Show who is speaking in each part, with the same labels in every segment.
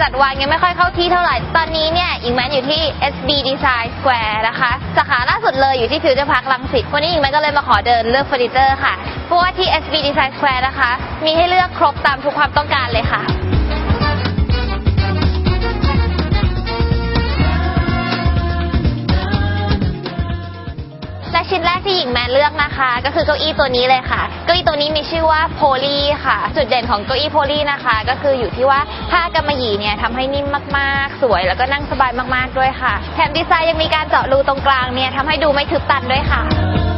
Speaker 1: จัดวางยังไม่ค่อยเข้าที่เท่าไหร่ตอนนี้เนี่ยอิงแมนอยู่ที่ SB Design Square นะคะสาขาล่าสุดเลยอยู่ที่ฟิวเจอร์พาร์ครังสิตวันนี้อิงแมนก็เลยมาขอเดินเลือกเฟอร์นิเจอร์ค่ะเพราะว่าที่ SB Design Square นะคะมีให้เลือกครบตามทุกความต้องการเลยค่ะและชิ้นแรกที่หญิงแมนเลือกนะคะก็คือเก้าอี้ตัวนี้เลยค่ะเก้าอี้ตัวนี้มีชื่อว่าโพลีค่ะจุดเด่นของเก้าอี้โพลีนะคะก็คืออยู่ที่ว่าผ้ากำมะหยี่เนี่ยทำให้นิ่มมากๆสวยแล้วก็นั่งสบายมากๆด้วยค่ะแถมดีไซน์ยังมีการเจาะรูตรงกลางเนี่ยทำให้ดูไม่ทึบตันด้วยค่ะ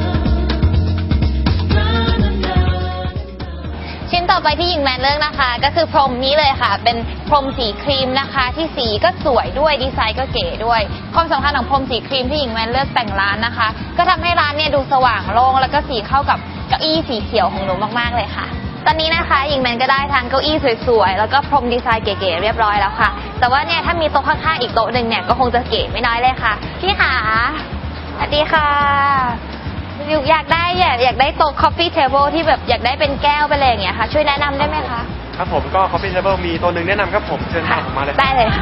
Speaker 1: ชิ้นต่อไปที่หญิงแมนเลือกนะคะก็คือพรมนี้เลยค่ะเป็นพรมสีครีมนะคะที่สีก็สวยด้วยดีไซน์ก็เก๋ด้วยความสำคัญของพรมสีครีมที่หญิงแมนเลือกแต่งร้านนะคะก็ทำให้ร้านเนี่ยดูสว่างโล่งแล้วก็สีเข้ากับเก้าอี้สีเขียวของหนูมากๆเลยค่ะตอนนี้นะคะหญิงแมนก็ได้ทั้งเก้าอี้สวยๆแล้วก็พรมดีไซน์เก๋ๆเรียบร้อยแล้วค่ะแต่ว่าเนี่ยถ้ามีโต๊ะข้างๆอีกโต๊ะหนึ่งเนี่ยก็คงจะเก๋ไม่น้อยเลยค่ะพี่ขาสวัสดีค่ะอยากได้โต๊ะ coffee table ที่แบบอยากได้เป็นแก้วไปเลยอย่างเงี้ยค่ะช่วยแนะนำได้ไหมคะ
Speaker 2: ครับผมก็ coffee table มีตัวหนึ่งแนะนำครับผมเชิญมาเลย
Speaker 1: ได้เลยค่ะ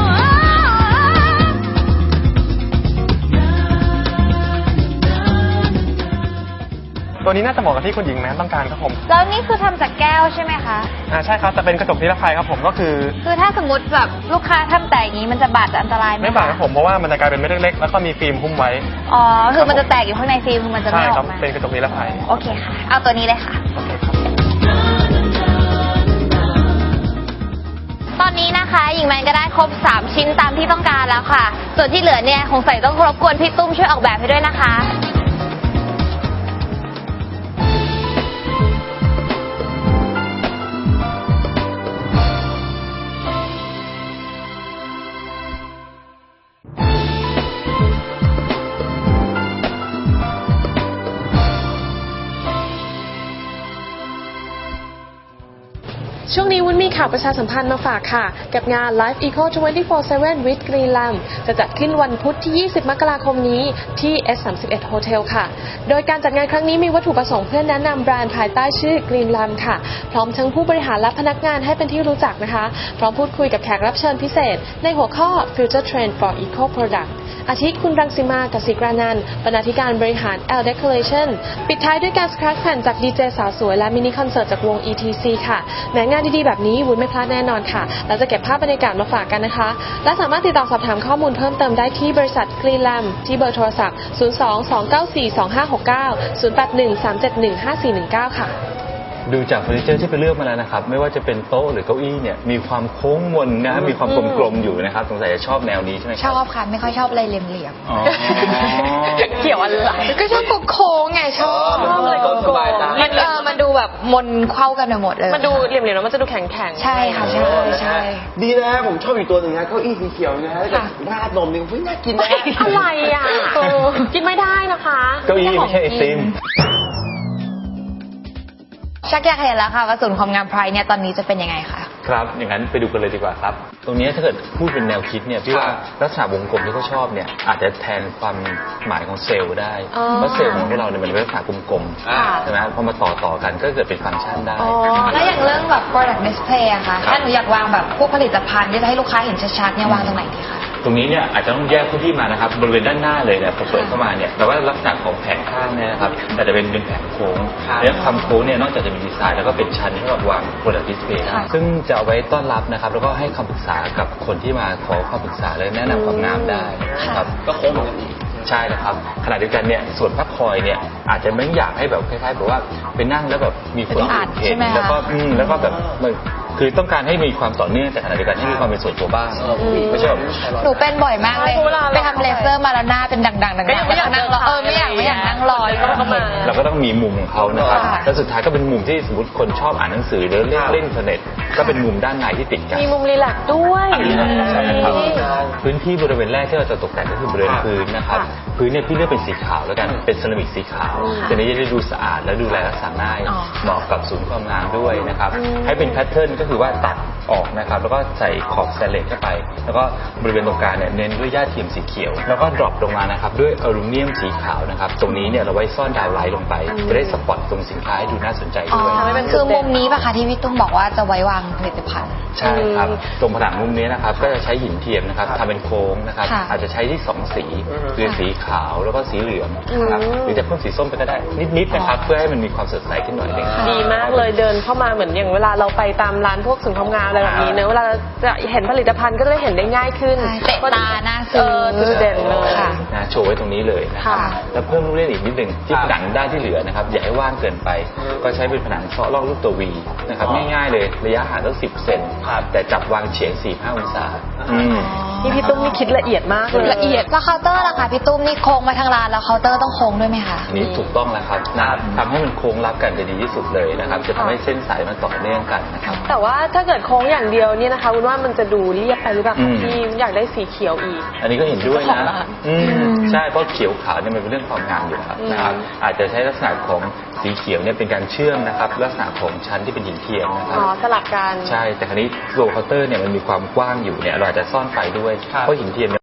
Speaker 2: ตัวนี้น่าจะเหมาะกับที่คุณหญิงแมนต้องการครับผม
Speaker 1: แล้วนี่คือทำจากแก้วใช่ไหมคะ
Speaker 2: ใช่ครับแต่เป็นกระจกนิรภัยครับผมก็คือ
Speaker 1: ถ้าสมมติแบบลูกค้าทำแต่อย่างนี้มันจะบาดจะอันตรายไหม
Speaker 2: ไม่บาดครับผมเพราะว่ามันจะกลายเป็นเม็ดเล็กๆแล้วก็มีฟิล์มหุ้มไว้
Speaker 1: อ๋อคือมันจะแตกอยู่ข้างในฟิล์มมันจะไม่ออกมา
Speaker 2: เป็นกระจกนิรภัย
Speaker 1: โอเคค่ะเอาตัวนี้เลยค่ะ
Speaker 2: โอเคครับ
Speaker 1: ตอนนี้นะคะหญิงแมนก็ได้ครบ3ชิ้นตามที่ต้องการแล้วค่ะส่วนที่เหลือเนี่ยคงใส่ต้องรบกวนพี่ตุ้มช่วยออกแบบให้ด้วยนะคะ
Speaker 3: ช่วงนี้วุ้นมีข่าวประชาสัมพันธ์มาฝากค่ะกับงาน Life Eco 24/7 with Greenlam จะจัดขึ้นวันพุธที่ 20 มกราคมนี้ที่ S31 Hotel ค่ะโดยการจัดงานครั้งนี้มีวัตถุประสงค์เพื่อแนะนำแบรนด์ภายใต้ชื่อ Greenlam ค่ะพร้อมทั้งผู้บริหารและพนักงานให้เป็นที่รู้จักนะคะพร้อมพูดคุยกับแขกรับเชิญพิเศษในหัวข้อ Future Trend for Eco Productอาทิคุณรังสิมากสิกรานันท์บรรณาธิการบริหาร L Decoration ปิดท้ายด้วยการสครับแผ่นจากดีเจสาวสวยและมินิคอนเสิร์ตจากวง ETC ค่ะแม้งานดีๆแบบนี้วุ้นไม่พลาดแน่นอนค่ะเราจะเก็บภาพบรรยากาศมาฝากกันนะคะและสามารถติดต่อสอบถามข้อมูลเพิ่มเติมได้ที่บริษัท Greenlam ที่เบอร์โทรศัพท์ 02-294-2569 081-371-5419 ค่ะ
Speaker 4: ดูจากเฟอร์นิเจอร์ที่ไปเลือกมาแล้วนะครับไม่ว่าจะเป็นโต๊ะหรือเก้าอี้เนี่ยมีความโค้งมนนะมีความกลมๆอยู่นะครับสงสัยจะชอบแนวนี้ใช่ไหม
Speaker 1: ชอบค่ะไม่ค่อยชอบอะไรเหลี่ยม
Speaker 3: ๆเกี่ยวอะไร
Speaker 1: ก็ชอบโค้งไงชอบ
Speaker 3: อะไรโค้ง
Speaker 1: มันดูแบบมนเข้ากันไปหมดเลย
Speaker 3: มันดูเหลี่ยมๆแล้วมันจะดูแข็ง
Speaker 1: ๆใช่ค่ะใช่
Speaker 5: ดีนะผมชอบอีกตัวหนึ่งนะเก้าอี้สีเขียวนะฮะกับราดนมนี่น่ากินนะ
Speaker 3: อะไรอ่ะกินไม่ได้นะคะ
Speaker 4: เก้าอี้ไม่ใช่ไอติม
Speaker 1: ชักอยากเห็นแล้วค่ะว่าศูนย์ความงามไพรเนี่ยตอนนี้จะเป็นยังไงคะ
Speaker 4: ครับอย่างนั้นไปดูกันเลยดีกว่าครับตรงนี้ถ้าเกิดพูดเป็นแนวคิดเนี่ยพี่ว่าลักษณะวงกลมที่เขาชอบเนี่ยอาจจะแทนความหมายของเซลล์ได้เพราะเซลล์ของเราเนี่ยมันเป็นลักษณะกลมๆใช่ไหมพอมาต่อกันก็เกิดเป็นฟังก์ชันได้
Speaker 1: แล้วอย่างเรื่องแบบ product display อะค่ะถ้าหนูอยากวางแบบพวกผลิตภัณฑ์ที่จะให้ลูกค้าเห็นชัดๆเนี่ยวางตรงไหนดีคะ
Speaker 4: ตรงนี้เนี่ยอาจจะต้องแยกพื้นที่มานะครับบริเวณด้านหน้าเลยเนี่ยพอเปิดเข้ามาเนี่ยแปลว่าลักษณะของแผงข้างเนี่ยนะครับแต่จะเป็นแผงโค้งและความโค้งเนี่ยนอกจากจะมีดีไซน์แล้วก็เป็นชั้นสำหรับวาง product display ซึ่งจะเอาไว้ต้อนรับนะครับแล้วก็ให้คำปรึกษากับคนที่มาขอคำปรึกษาและแนะนำความงามได้ครับ
Speaker 5: ก็โค้งเหมือนกัน
Speaker 4: ใช่นะครับขณะเดียวกันเนี่ยส่วนพักคอยเนี่ยอาจจะไม่อยากให้แบบคล้ายๆแบบว่าไปนั่งแล้วแบบมีคนเห็นแล้วก็แบบคือต้องการให้มีความต่อเนื่องแต่ขณะเดียวกันให้มีความเป็นส่วนตัวบ้างไม่ใช่แบบ
Speaker 1: หนูเป็นบ่อยมากเลยไปทำเลเซอร์มาแล้วหน้าเป็นดังๆไม่อยากนั่งรอไม่อยากนั่งรอ
Speaker 4: เราก็ต้องมีมุมของเขานะครับแล้วสุดท้ายก็เป็นมุมที่สมมติคนชอบอ่านหนังสือหรือเล่นอินเทอร์เน็ตก็เป็นมุมด้านในที่ติดกัน
Speaker 3: มีมุมรีแลกซ์ด้วย
Speaker 4: ใช่ครับพื้นที่บริเวณแรกที่เราจะตกแต่งก็คือบริเวณพื้นนะครับพื้นเนี่ยพี่เลือกเป็นสีขาวแล้วกันเป็นเซรามิกสีขาวจะได้ดูสะอาดและดูแลรักษาง่ายเหมาะกับศูนย์ความงามด้วยนะครับให้เป็นแพทเทิร์นก็คือว่าตัดออกนะครับแล้วก็ใส่ขอบสแตนเลสเข้าไปแล้วก็บริเวณตรงกลางเนี่ยเน้นด้วยหญ้าเทียมสีเขียวแล้วก็ดรอปลงมานะครับด้วยอลูมิเนียมสีขาวนะครับตรงนี้เนี่ยเราไว้ซ่อนดาวไลท์ลงไปจะได้สปอตตรงสินค้าให้ดูน่าสนใจด้วย
Speaker 1: คือมุมนี้ป่ะคะที่พี่ตุ้มบอกว่าจะไว้วางผลิตภัณฑ์
Speaker 4: ใช่ครับตรงผนังมุมนี้นะครับก็จะใช้หินเทียมนะครับทำเป็นโค้งนะครับ
Speaker 1: ค่ะ
Speaker 4: อาจจะใช้ที่2สีคือสีขาวแล้วก็สีเหลืองนะครับหรือจะเพิ่มสีส้มไปก็ได้นิดๆนะครับเพื่อให้มันมีความสดใสขึ้นหน่อยนึง
Speaker 3: ดีมากเลยเดินเข้ามาเหมือนอย่างเวลาเราไปตามร้านพวกศูนย์ความงามอะไรแบบนี้เนอะเวลาเราจะเห็นผลิตภัณฑ์ก็จะได้เห็นได้ง่ายขึ้น
Speaker 1: ใช่เตะตาน่าซื้อ
Speaker 3: จุดเด่นเลย
Speaker 1: ค่ะ
Speaker 4: นะโชว์ไว้ตรงนี้เลยนะครับ
Speaker 1: ค่ะ
Speaker 4: แล้วเพิ่มลูกเล่นอีกนิดหนึ่งที่ผนังด้านที่เหลือนะครับอย่าให้ว่างเกินไป ก็ใช้เป็นผนังเซาะลอกรูปตัว V นะครับง่ายๆเลยระยะห่างตั้ง10 เซนแต่จับวางเฉียง 4-5 องศา
Speaker 3: นี่พี่ตุ้มนี่คิดละเอียดมากเลย
Speaker 1: ละเอียดแล้วเคาน์เตอร์ล่ะคะพี่ตุ้มนี่โค้งมาทางร้านแล้วเคาน์เตอร์ต้องโค้งด้วยไหมคะ
Speaker 4: อันนี้ถูกต้องแล้วครับทำให้มันโค้งรับกันจะดีที่สุดเลยนะครับจะทำให้เส้นสายมันต่อเนื่องกันนะครับ
Speaker 3: แต่ว่าถ้าเกิดโค้งอย่างเดียวเนี่ยนะคะวุ้นว่ามันจะดูเรียบไปหรือเปล่า
Speaker 4: อื
Speaker 3: คะ
Speaker 4: ม
Speaker 3: พี่อยากได้สีเขียวอีก
Speaker 4: อันนี้ก็เห็นด้วย
Speaker 3: เจ้าของ
Speaker 4: นะ
Speaker 3: ร้าน
Speaker 4: ใช่เพราะเขียวขาวเนี่ยมันเป็นเรื่องความงามอยู่แล้วนะครับอาจจะใช้ลักษณะของสีเขียวเนี่ยเป็นการเชื่อมนะครับลักษณะของชั้นที่เป็นหินเทียมนะครับ
Speaker 3: อ๋อสลับกัน
Speaker 4: ใช่แต่คราวนี้ตัวเคาน์เตอร์เนี่ยมันมีความกว้างอยู่เนี่ยเราอาจจะซ่อนไฟด้วยเพราะหินเทียมเนี่ย